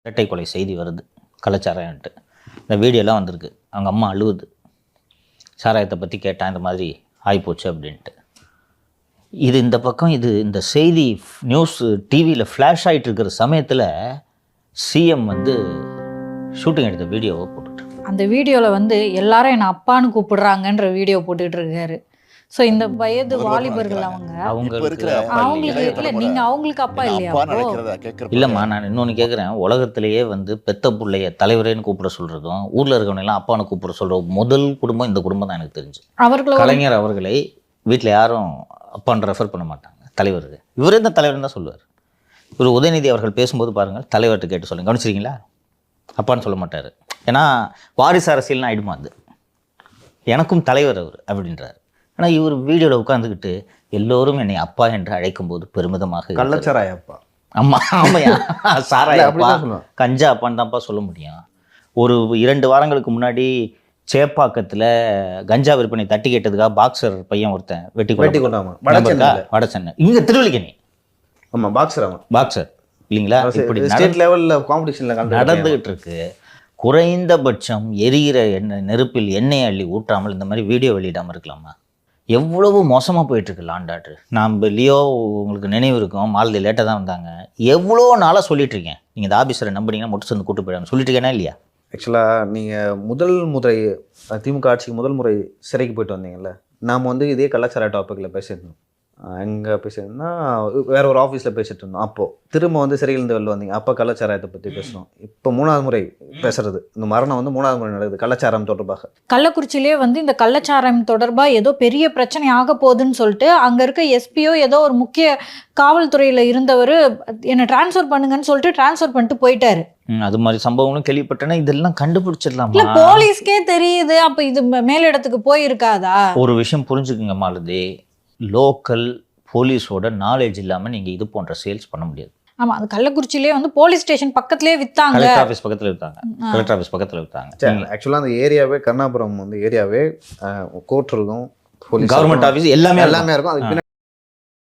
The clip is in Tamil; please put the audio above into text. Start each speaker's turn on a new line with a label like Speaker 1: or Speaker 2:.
Speaker 1: இரட்டை கொலை செய்தி வருது கள்ளச்சாராயன்ட்டு. இந்த வீடியோலாம் வந்திருக்கு. அவங்க அம்மா அழுவுது. சாராயத்தை பற்றி கேட்டான், இந்த மாதிரி ஆகிப்போச்சு அப்படின்ட்டு. இது இந்த பக்கம் இந்த செய்தி நியூஸ் டிவியில் ஃப்ளாஷ் ஆகிட்டு இருக்கிற சமயத்தில் சிஎம் ஷூட்டிங் எடுத்த வீடியோவை போட்டுட்டு,
Speaker 2: அந்த வீடியோவில் எல்லாரும் என்னை அப்பான்னு கூப்பிடுறாங்கன்ற வீடியோ போட்டுட்டு இருக்காரு. ஸோ இந்த வயது வாலிபர்கள் அவங்களுக்கு இல்லை, நீங்கள் அவங்களுக்கு அப்பா இல்லையா?
Speaker 1: இல்லைம்மா, நான் இன்னொன்று கேட்குறேன். உலகத்திலேயே பெத்த பிள்ளைய தலைவரேன்னு கூப்பிட சொல்கிறதும் ஊரில் இருக்கவனெல்லாம் அப்பான்னு கூப்பிட சொல்கிற முதல் குடும்பம் இந்த குடும்பம் தான் எனக்கு தெரிஞ்சு. கலைஞர் அவர்களை வீட்டில் யாரும் அப்பான்னு ரெஃபர் பண்ண மாட்டாங்க. தலைவருக்கு இவரே தான் தலைவர்னு தான் சொல்லுவார். இவர் உதயநிதி அவர்கள் பேசும்போது பாருங்கள், தலைவர்கிட்ட கேட்டு சொல்லுங்கள், கவனிச்சிருக்கீங்களா? அப்பான்னு சொல்ல மாட்டார். ஏன்னா வாரிசு அரசியல்னு ஆகிடுமா, அது எனக்கும் தலைவர் அவர் அப்படின்றார். ஆனால் இவர் வீடியோவில் உட்காந்துக்கிட்டு எல்லோரும் என்னை அப்பா என்று அழைக்கும்போது பெருமிதமாக,
Speaker 3: கள்ளச்சாராய அப்பா,
Speaker 1: அம்மா ஆமையா சாராய அப்பா, கஞ்சா அப்பான்னு தான்ப்பா சொல்ல முடியும். ஒரு 2 வாரங்களுக்கு முன்னாடி சேப்பாக்கத்தில் கஞ்சா விற்பனை தட்டி கேட்டதுக்காக பாக்ஸர் பையன் ஒருத்தன் வெட்டி கொண்டாமா, வட சென்னை, இங்கே திருவல்லிக்கேணி.
Speaker 3: ஆமாம்,
Speaker 1: பாக்ஸர் இல்லைங்களா? இப்படி
Speaker 3: ஸ்டேட் லெவலில் காம்படிஷனில்
Speaker 1: நடந்துகிட்டு இருக்கு. குறைந்தபட்சம் எரிகிற நெருப்பில் எண்ணெய் அள்ளி ஊற்றாமல் இந்த மாதிரி வீடியோ வெளியிடாமல் இருக்கலாமா? எவ்வளவு மோசமாக போயிட்டுருக்கு லாண்ட் ஆர்டர். நான் லியோ உங்களுக்கு நினைவு இருக்கும், மாலதி லேட்டாக தான் வந்தாங்க. எவ்வளோ நாளாக சொல்லிட்டு இருக்கேன், நீங்கள் இந்த ஆஃபீஸரை நம்பினீங்கன்னா மட்டும் சேர்ந்து கூட்டு போயிடாங்க சொல்லிட்டு இருக்கேனா இல்லையா?
Speaker 3: ஆக்சுவலாக நீங்கள் முதல் முறை திமுக ஆட்சிக்கு முதல் முறை சிறைக்கு போயிட்டு வந்தீங்கல்ல, நாம் இதே கலாச்சார டாப்பிக்கில் பேசியிருந்தோம். எங்கே பேசியிருந்தோம்னா வேற ஒரு ஆஃபீஸில் பேசிட்டு இருந்தோம். அப்போது திரும்ப சிறையிலேருந்து வெளில வந்தீங்க, அப்போ கலாச்சாரத்தை பற்றி பேசணும். இப்போ 3வது முறை பேசுறது, இந்த மரணம் 3வது முறை நடக்குது கலாச்சாரம் தொடர்பாக.
Speaker 2: கள்ளக்குறிச்சியிலே இந்த கள்ளச்சாரம் தொடர்பாக ஏதோ பெரிய பிரச்சனை ஆக போகுதுன்னு சொல்லிட்டு அங்கே இருக்க எஸ்பியோ ஏதோ ஒரு முக்கிய காவல்துறையில் இருந்தவர் என்னை டிரான்ஸ்ஃபர் பண்ணுங்கன்னு சொல்லிட்டு டிரான்ஸ்ஃபர் பண்ணிட்டு போயிட்டாரு.
Speaker 1: அது மாதிரி சம்பவங்களும் கேள்விப்பட்டேன்னா இதெல்லாம் கண்டுபிடிச்சிடலாம்.
Speaker 2: இல்லை, போலீஸ்க்கே தெரியுது. அப்போ இது மேலிடத்துக்கு போயிருக்காதா?
Speaker 1: ஒரு விஷயம் புரிஞ்சுக்குங்க மாலதி, லோக்கல் போலீஸோட நாலேஜ் இல்லாமல் நீங்கள் இது போன்ற சேல்ஸ் பண்ண முடியாது.
Speaker 2: ஆமாம், அது கள்ளக்குறிச்சியிலே போலீஸ் ஸ்டேஷன் பக்கத்துலேயே விற்றாங்க.
Speaker 1: கலெக்டர் ஆஃபீஸ் பக்கத்தில் விற்றாங்க.
Speaker 3: ஆக்சுவலாக அந்த ஏரியாவே கர்ணாபுரம் ஏரியாவே கோர்ட் இருக்கும்,
Speaker 1: கவர்மெண்ட் ஆஃபீஸ் எல்லாமே
Speaker 3: இருக்கும். அதுக்கு